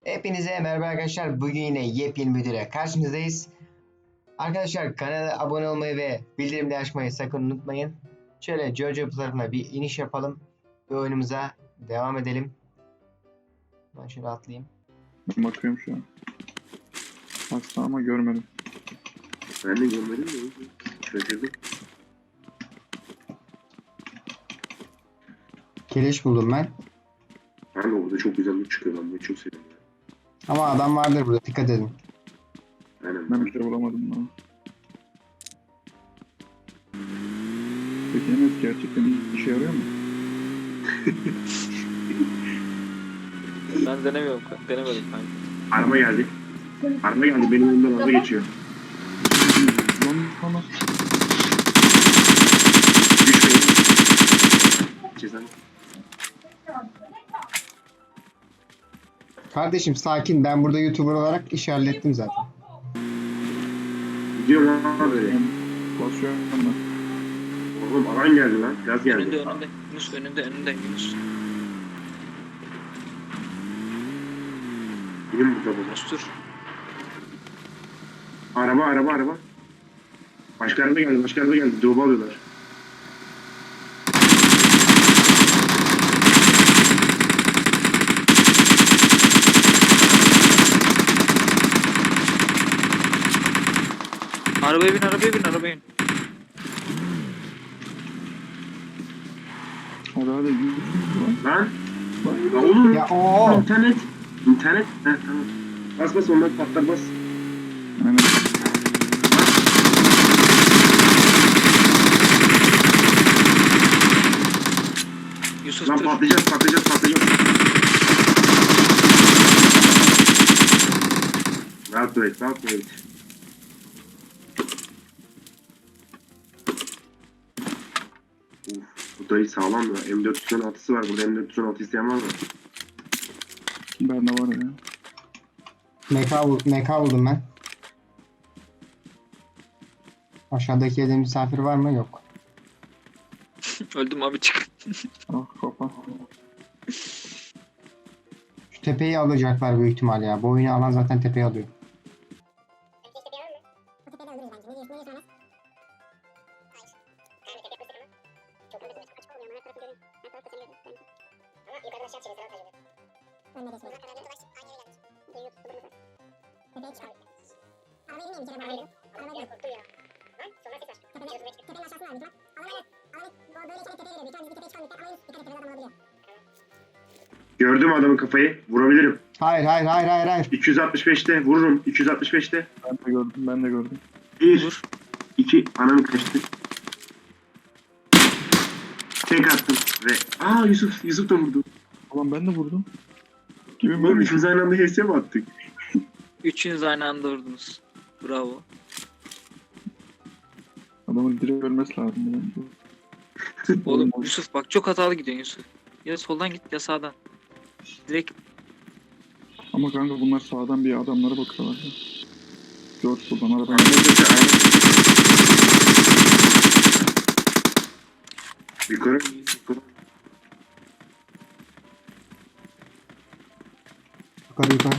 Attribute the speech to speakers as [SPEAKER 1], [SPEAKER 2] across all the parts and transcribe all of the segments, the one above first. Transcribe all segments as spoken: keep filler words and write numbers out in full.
[SPEAKER 1] Hepinize merhaba arkadaşlar. Bugün yine yepyeni videoyla karşınızdayız. Arkadaşlar kanala abone olmayı ve bildirimleri açmayı sakın unutmayın. Şöyle Jojo tarafına bir iniş yapalım ve oyunumuza devam edelim. Ben şöyle atlayayım.
[SPEAKER 2] Ben bakıyorum şu an. Aslında ama görmedim.
[SPEAKER 3] Ben de görmedim de şaşırdım.
[SPEAKER 1] Keleş buldum ben.
[SPEAKER 3] Ben de orada çok güzel bir çıkıyor, ben bunu çok seviyorum.
[SPEAKER 1] Ama adam vardır burada, dikkat edin.
[SPEAKER 3] Aynen.
[SPEAKER 2] Ben bir şey bulamadım daha. Peki Enes gerçekten işe yarıyor mu?
[SPEAKER 4] Ben denemiyorum, denemedim kanka.
[SPEAKER 3] Araba geldi. Araba geldi, benim önümden araba geçiyor.
[SPEAKER 2] Lan tamam.
[SPEAKER 3] Düşmeyin. Cezanı.
[SPEAKER 1] Kardeşim sakin, ben burada YouTuber olarak iş hallettim zaten.
[SPEAKER 3] Gidiyorum ama böyle.
[SPEAKER 2] Basıyorum ben.
[SPEAKER 3] Oğlum alan geldi lan. Gaz geldi.
[SPEAKER 4] Önünde, önünde. Yunus önünde, önünde Yunus.
[SPEAKER 3] Benim burada bu.
[SPEAKER 4] Yunus dur.
[SPEAKER 3] Araba, araba, araba. Başka araba geldi, başka araba geldi. Doğu alıyorlar.
[SPEAKER 4] Arabaya bin, arabaya bin, arabaya bin.
[SPEAKER 2] Hadi hadi yürü.
[SPEAKER 3] Lan.
[SPEAKER 2] Lan.
[SPEAKER 3] Ya oğlum.
[SPEAKER 1] Ya ooo.
[SPEAKER 3] İnternet. İnternet. Heh, tamam. Bas bas, onlar patlar, bas.
[SPEAKER 2] Aynen.
[SPEAKER 4] Yusuf
[SPEAKER 3] Lan
[SPEAKER 4] dur.
[SPEAKER 3] patlayacağız, patlayacağız, patlayacağız. Rahat dur et, rahat dur et. Uf, bu dayı sağlam ya. M dört yüz on altısı var. Burada M dört yüz on altı isteyen var mı?
[SPEAKER 2] Bende var ya.
[SPEAKER 1] M K, bul M K buldum ben. Aşağıdaki evde misafir var mı? Yok.
[SPEAKER 4] Öldüm abi, çık.
[SPEAKER 2] Ah kafa.
[SPEAKER 1] Şu tepeyi alacaklar büyük ihtimal ya. Bu oyunu alan zaten tepeyi alıyor.
[SPEAKER 3] Gördüm adamın kafayı. Vurabilirim.
[SPEAKER 1] Hayır hayır hayır hayır hayır.
[SPEAKER 3] iki yüz altmış beşte vururum. iki yüz altmış beşte.
[SPEAKER 2] Ben de gördüm, ben de gördüm.
[SPEAKER 3] bir,
[SPEAKER 4] Vur.
[SPEAKER 3] iki, ananı kaçtı. Tek attım ve... Aa Yusuf, Yusuf da vurdu.
[SPEAKER 2] Ulan ben de vurdum. Gibi
[SPEAKER 3] Oğlum
[SPEAKER 2] ben
[SPEAKER 3] üçümüz aynı anda H S mi attık?
[SPEAKER 4] Üçünüz aynı anda vurdunuz. Bravo.
[SPEAKER 2] Adamın direkt ölmesi lazım bence.
[SPEAKER 4] Oğlum Yusuf bak, çok hatalı gidiyorsun Yusuf. Ya soldan git ya sağdan. Direkt
[SPEAKER 2] Ama kanka bunlar sağdan bir adamlara bakıyorlar. ya. Dört buradan araba.
[SPEAKER 3] Yukarı, yukarı.
[SPEAKER 1] Yukarı yukarı.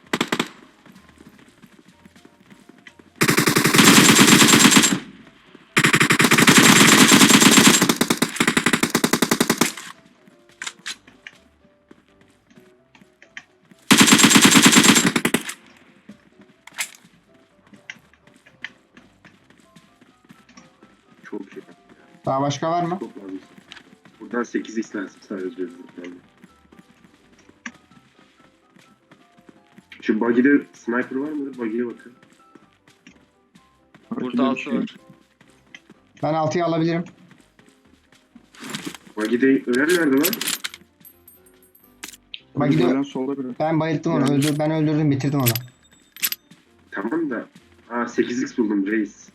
[SPEAKER 3] Çok iyi.
[SPEAKER 1] Daha başka var mı?
[SPEAKER 3] Çok lazım. Buradan sekiz x lazım sadece diyorum. Yani. Şu buggy'de sniper var mı? Buggy'ye bakın.
[SPEAKER 4] burada
[SPEAKER 2] Rakibinde bir
[SPEAKER 4] altı
[SPEAKER 2] şey
[SPEAKER 4] var.
[SPEAKER 1] Ben altıyı alabilirim.
[SPEAKER 3] Buggy'de ölen nerede lan?
[SPEAKER 1] Bak gidiyor.
[SPEAKER 2] Ölen solda biri.
[SPEAKER 1] Ben bayılttım onu.
[SPEAKER 2] Yani.
[SPEAKER 1] Öldür, ben öldürdüm, bitirdim onu.
[SPEAKER 3] Tamam da. Aa sekiz x buldum reis.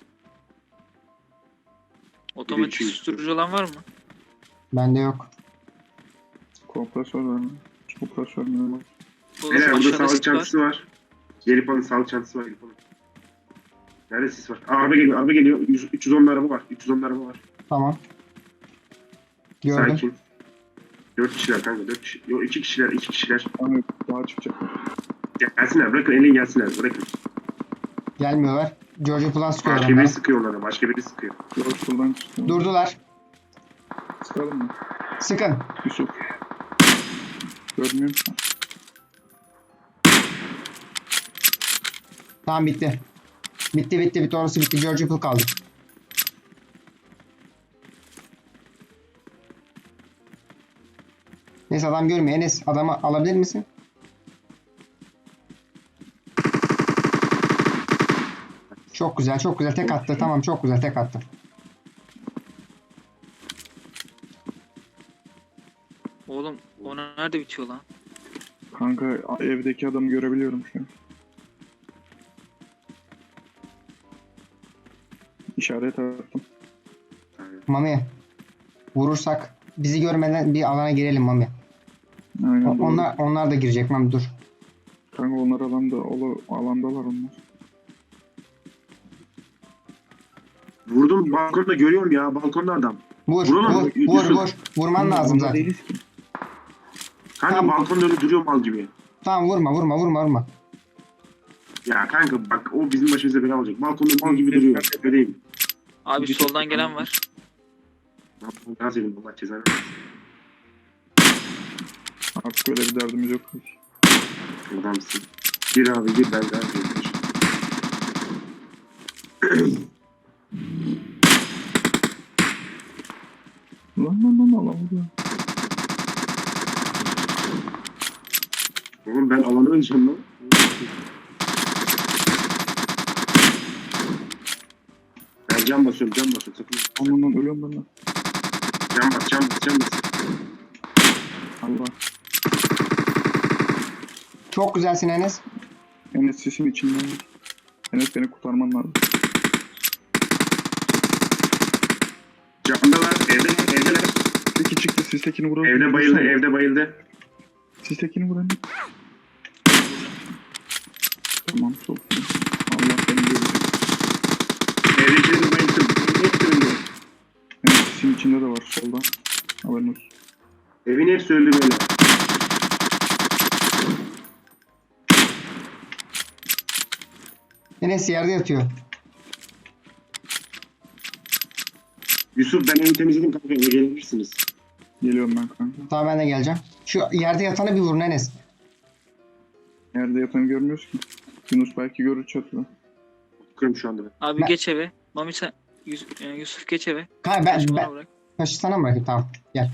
[SPEAKER 4] Otomatik
[SPEAKER 3] iki yüz.
[SPEAKER 4] susturucu olan var mı?
[SPEAKER 1] Bende yok.
[SPEAKER 2] Kompresör var mı? Kompresör mü?
[SPEAKER 4] Oğlum
[SPEAKER 3] Beyler burada
[SPEAKER 4] aşağıda
[SPEAKER 3] sağlık
[SPEAKER 4] sit var.
[SPEAKER 3] çantası var. Gelip alın, sağlık çantası var. Gelip alın. Nerede sis var? Aa, araba geliyor, araba geliyor. yüz, üç yüz on araba var. üç yüz on araba var.
[SPEAKER 1] Tamam. Gördüm.
[SPEAKER 3] Sakin. Dört kişiler kanka, dört kişi. Yok iki kişiler, iki kişiler.
[SPEAKER 2] Kanka daha çıkacak.
[SPEAKER 3] Gelsinler, bırakın elin gelsinler, bırakın.
[SPEAKER 1] Gelmiyorlar. George Plus sıkıyor
[SPEAKER 3] Başka biri
[SPEAKER 1] onlara.
[SPEAKER 3] sıkıyor onlara, başka biri sıkıyor.
[SPEAKER 2] George buradan çıktı.
[SPEAKER 1] Durdular.
[SPEAKER 2] Sıkalım mı?
[SPEAKER 1] Sıkın.
[SPEAKER 2] Yusuf. Görmüyor musun?
[SPEAKER 1] Tamam bitti. Bitti bitti bitti orası bitti. George Plus kaldı. Neyse adam görmüyor. Enes adamı alabilir misin? Çok güzel çok güzel tek attı. Tamam çok güzel tek attı.
[SPEAKER 4] Oğlum o nerede bitiyor lan?
[SPEAKER 2] Kanka evdeki adamı görebiliyorum şu an. İşaret attım.
[SPEAKER 1] Mami. Vurursak bizi görmeden bir alana girelim Mami.
[SPEAKER 2] Aynen
[SPEAKER 1] O-
[SPEAKER 2] doğru.
[SPEAKER 1] onlar onlar da girecek Mami dur.
[SPEAKER 2] Kanka onlar alanda, ola, alandalar onlar.
[SPEAKER 3] Vurdum, balkonda görüyorum ya, balkonda adam.
[SPEAKER 1] Vur
[SPEAKER 3] Vuramam,
[SPEAKER 1] vur
[SPEAKER 3] Yusuf.
[SPEAKER 1] vur vur. Vurman
[SPEAKER 2] Kanka,
[SPEAKER 1] lazım
[SPEAKER 2] alanda
[SPEAKER 1] zaten.
[SPEAKER 2] değiliz ki.
[SPEAKER 3] Kanka
[SPEAKER 1] Tamam.
[SPEAKER 3] balkonda öyle duruyor mal gibi.
[SPEAKER 1] Tamam vurma vurma vurma vurma.
[SPEAKER 3] Ya kanka bak o bizim başımıza bela olacak. Balkonda mal gibi duruyor. Öyleyim.
[SPEAKER 4] Abi
[SPEAKER 2] Bir
[SPEAKER 4] soldan
[SPEAKER 2] tek-
[SPEAKER 4] gelen var.
[SPEAKER 3] Gaz edin Allah cezanı.
[SPEAKER 2] Artık öyle bir derdimiz yok.
[SPEAKER 3] Adamsın. Gir abi gir ben gaz edin.
[SPEAKER 2] Lan lan lan alamadı.
[SPEAKER 3] Oğlum ben alanı öleceğim lan. Ben cam basıyorum cam basıyorum sakın.
[SPEAKER 2] Aman lan ölüyorum ben lan.
[SPEAKER 3] Cam bas cam bas cam bas.
[SPEAKER 2] Allah.
[SPEAKER 1] Çok güzelsin Enes.
[SPEAKER 2] Enes sesin içinden. Enes beni kurtarman lazım.
[SPEAKER 3] Camdalar evdeler evdeler.
[SPEAKER 2] Teki çıktı. Siz tekini vuralım.
[SPEAKER 3] Evde bayıldı evde bayıldı.
[SPEAKER 2] Siz tekini vuralım. Tamam çok iyi. Allah beni görecek.
[SPEAKER 3] Evdekileri bayıldım. Hepsi öldü.
[SPEAKER 2] Enes sesin içinde de var solda. Haberin olsun.
[SPEAKER 3] Evin hepsi öldü böyle.
[SPEAKER 1] Enes yerde yatıyor.
[SPEAKER 3] Yusuf ben evi temizledim kanka eve gelebilirsiniz.
[SPEAKER 2] Geliyorum ben kanka.
[SPEAKER 1] Tamam ben de geleceğim. Şu yerde yatanı bir vurun Enes.
[SPEAKER 2] Nerede yatanı görmüyoruz ki. Yunus belki görür çatıda.
[SPEAKER 3] Bakıyorum şu anda ben.
[SPEAKER 4] Abi
[SPEAKER 1] Ben-
[SPEAKER 4] geç eve. Mami sen Yus- e, Yusuf geç eve.
[SPEAKER 1] Kanka ben,
[SPEAKER 4] Taşı
[SPEAKER 1] ben
[SPEAKER 4] bana bırak.
[SPEAKER 1] taşı sana mı bırakayım? Tamam gel.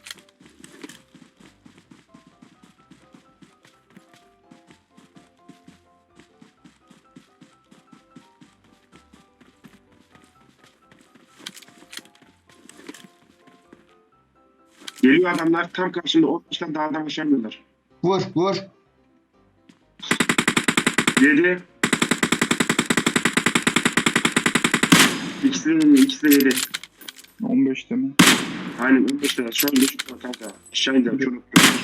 [SPEAKER 3] Geliyor adamlar tam karşımda on beşten dağdan aşamıyorlar.
[SPEAKER 1] Vur vur.
[SPEAKER 3] Yedi. İkisi de yedi, ikisi de yedi.
[SPEAKER 2] on beşte mi?
[SPEAKER 3] Aynen on beş lira. Şu an beş lira kanka. Aşağı indiler çok.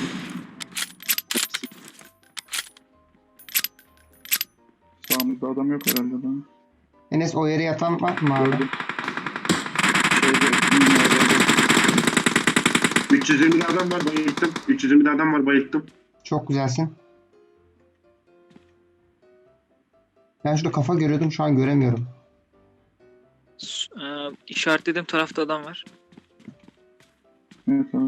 [SPEAKER 2] Sağımızda adam yok herhalde daha.
[SPEAKER 1] Enes o yere yatan var mı abi?
[SPEAKER 2] Gördüm. Şeyde, minarede.
[SPEAKER 3] üç yüz yirmi adam var bayılttım. üç yüz yirmi adam var bayılttım.
[SPEAKER 1] Çok güzelsin. Ben şurada kafa görüyordum şu an göremiyorum.
[SPEAKER 4] S- E, işaretlediğim tarafta adam var.
[SPEAKER 2] Evet tamam.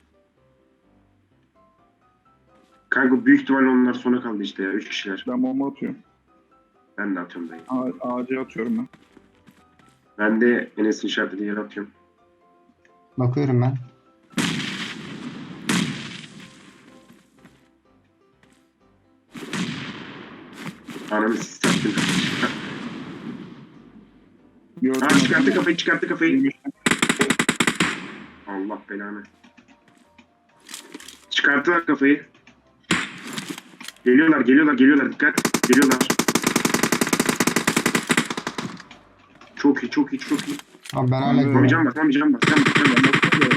[SPEAKER 3] Kanka büyük ihtimalle onlar sona kaldı işte ya. üç kişiler.
[SPEAKER 2] Ben bomba atıyorum.
[SPEAKER 3] Ben de atıyorum dayı.
[SPEAKER 2] A- ağaca atıyorum ben.
[SPEAKER 3] Ben de Enes'in işaretlediği yere atıyorum.
[SPEAKER 1] Bakıyorum ben.
[SPEAKER 3] Ananı siz sattın.
[SPEAKER 2] Gördüm.
[SPEAKER 3] Aa çıkarttı
[SPEAKER 2] adamı.
[SPEAKER 3] kafayı çıkarttı kafayı.
[SPEAKER 2] yirmi beş.
[SPEAKER 3] Allah belanı. Çıkarttılar kafayı. Geliyorlar geliyorlar geliyorlar dikkat. Geliyorlar. Çok iyi çok iyi çok iyi.
[SPEAKER 1] Abi ben hala
[SPEAKER 2] Abi,
[SPEAKER 1] görüyorum.
[SPEAKER 3] Mamayacağım bas mamayacağım bas. Can bas can bas.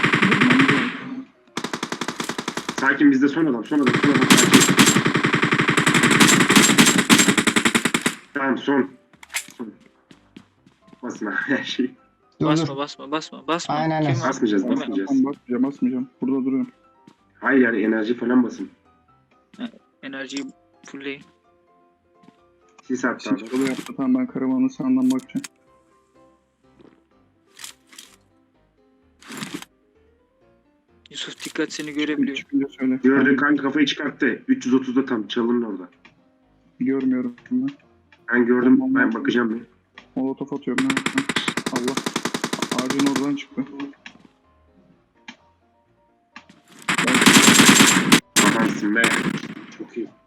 [SPEAKER 3] Sakin bizde son adam son adam son adam sakin. Tamam son. Son. Basma her şey.
[SPEAKER 1] Dur
[SPEAKER 4] Basma
[SPEAKER 1] dur.
[SPEAKER 4] basma basma basma.
[SPEAKER 1] Aynen, aynen.
[SPEAKER 4] Kim var?
[SPEAKER 3] Basmayacağız
[SPEAKER 4] Değil mi?
[SPEAKER 3] basmayacağız.
[SPEAKER 2] Tamam basmayacağım basmayacağım. Burada duruyorum.
[SPEAKER 3] Hayır yani enerji falan basın.
[SPEAKER 4] Enerjiyi fullleyin.
[SPEAKER 3] Sis attı adam.
[SPEAKER 2] Çiçeği yaptı. Tamam ben karavanın sağından bakacağım.
[SPEAKER 4] Yusuf dikkat seni görebiliyor.
[SPEAKER 2] Çıkınca söyle.
[SPEAKER 3] Gördü kanka, kafayı çıkarttı. üç yüz otuzda tam çalının orada.
[SPEAKER 2] Görmüyorum ben.
[SPEAKER 3] Ben gördüm, ben bakacağım bir.
[SPEAKER 2] Molotof atıyorum ben. Allah. Ağacın oradan çıktı.
[SPEAKER 3] Adamsın be. Çok iyi.